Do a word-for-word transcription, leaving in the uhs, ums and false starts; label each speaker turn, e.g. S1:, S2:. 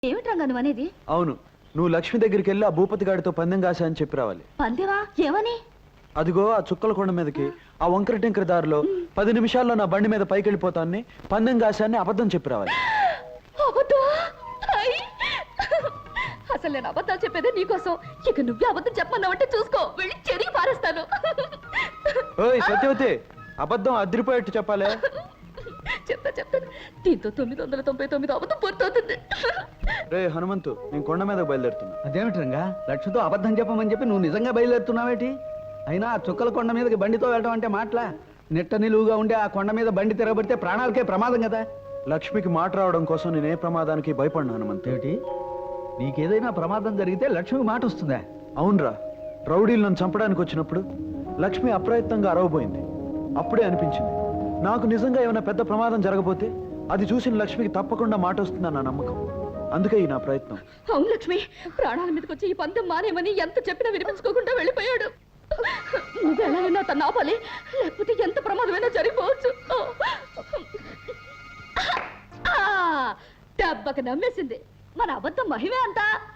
S1: ఏమిటి రంగా నువ్వు అనేది?
S2: అవును, నువ్వు లక్ష్మి దగ్గరికి వెళ్ళి ఆ భూపతి గాడితో పందెం కాసా అని చెప్పి రావాలి.
S1: పందెవా? ఏమని?
S2: అదిగో ఆ చుక్కల కొండ మీదకి ఆ వంకర టింకర దారిలో పది నిమిషాల్లో నా బండి మీద పైకి వెళ్ళిపోతాన్ని పందెం కాశాన్ని అబద్ధం చెప్పి రావాలి.
S1: అసలు నేను అబద్ధాలు చెప్పేదే నీకోసం. ఇక నువ్వే అబద్ధం చెప్పమన్నావంటే చూసుకో, వెళ్ళి చెరిగి పారేస్తాను.
S2: ఓయ్ సత్యవతి, అబద్ధం అదిరిపోయేట్టు చెప్పాలి.
S1: చెప్తా చెప్తాను. దీంతో తొమ్మిది వందల తొంభై తొమ్మిది అబద్ధం పూర్తవుతుంది.
S2: రే హనుమంతు, నేను కొండ మీద బయలుదేరుతున్నా.
S3: అదేమిటి రంగా, లక్ష్మితో అబద్ధం చెప్పమని చెప్పి నువ్వు నిజంగా బయలుదేరుతున్నావేటి? అయినా ఆ చుక్కల కొండ మీదకి బండితో వెళ్ళడం అంటే మాటలా? నిట్ట నిలువుగా ఉండే ఆ కొండ మీద బండి తిరగబడితే ప్రాణాలకే ప్రమాదం కదా.
S2: లక్ష్మికి మాట రావడం కోసం నేనే ప్రమాదానికి భయపడినా హనుమంతు.
S3: ఏమిటి, నీకేదైనా ప్రమాదం జరిగితే లక్ష్మికి మాట వస్తుందా?
S2: అవునరా, రౌడీలు నన్ను చంపడానికి వచ్చినప్పుడు లక్ష్మి అప్రయత్నంగా అరవబోయింది. అప్పుడే అనిపించింది నాకు నిజంగా ఏమైనా పెద్ద ప్రమాదం జరగబోతే అది చూసిన లక్ష్మికి తప్పకుండా మాట వస్తుందని నా నమ్మకం. అందుకే ఈ నా ప్రయత్నం.
S1: అవును లక్ష్మి, ప్రాణాల మీదకి వచ్చి ఈ పందెం మానేమని ఎంత చెప్పినా వినిపించుకోకుండా వెళ్ళిపోయాడు. నువ్వు ఎలాగైనా తను ఆపాలి, లేకపోతే ఎంత ప్రమాదమైనా జరిగిపోవచ్చు. దెబ్బకి నమ్మేసింది. మన అబద్ధం మహిమే అంతా.